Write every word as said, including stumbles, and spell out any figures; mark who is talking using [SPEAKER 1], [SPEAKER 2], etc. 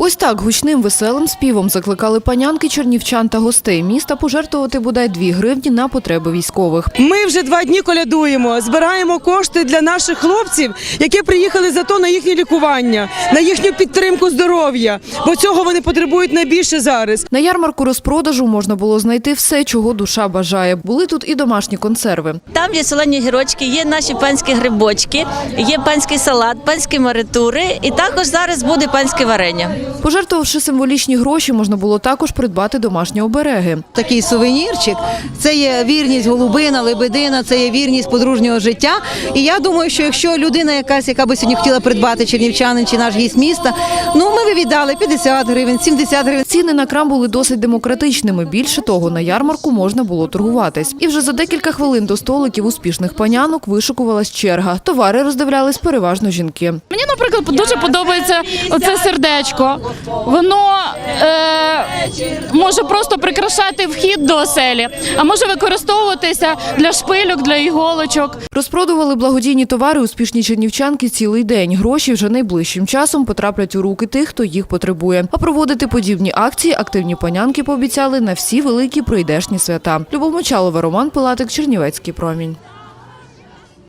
[SPEAKER 1] Ось так гучним веселим співом закликали панянки, чернівчан та гостей міста пожертвувати бодай дві гривні на потреби військових.
[SPEAKER 2] Ми вже два дні колядуємо, збираємо кошти для наших хлопців, які приїхали за то на їхнє лікування, на їхню підтримку здоров'я, бо цього вони потребують найбільше зараз.
[SPEAKER 1] На ярмарку розпродажу можна було знайти все, чого душа бажає. Були тут і домашні консерви.
[SPEAKER 3] Там є солені гірочки, є наші панські грибочки, є панський салат, панські маритури і також зараз буде панське варення.
[SPEAKER 1] Пожертвувавши символічні гроші, можна було також придбати домашні обереги.
[SPEAKER 4] Такий сувенірчик – це є вірність голубина, лебедина, це є вірність подружнього життя. І я думаю, що якщо людина якась, яка би сьогодні хотіла придбати чернівчанин чи наш гість міста, ну ми би віддали п'ятдесят гривень, сімдесят гривень.
[SPEAKER 1] Ціни на крам були досить демократичними. Більше того, на ярмарку можна було торгуватись. І вже за декілька хвилин до столиків успішних панянок вишикувалась черга. Товари роздивлялись переважно жінки.
[SPEAKER 5] Мені, наприклад, дуже подобається оце сердечко. Воно е, може просто прикрашати вхід до оселі, а може використовуватися для шпильок, для іголочок.
[SPEAKER 1] Розпродували благодійні товари успішні чернівчанки цілий день. Гроші вже найближчим часом потраплять у руки тих, хто їх потребує. А проводити подібні акції активні панянки пообіцяли на всі великі прийдешні свята. Любов Мочалова, Роман Пилатик, Чернівецький промінь.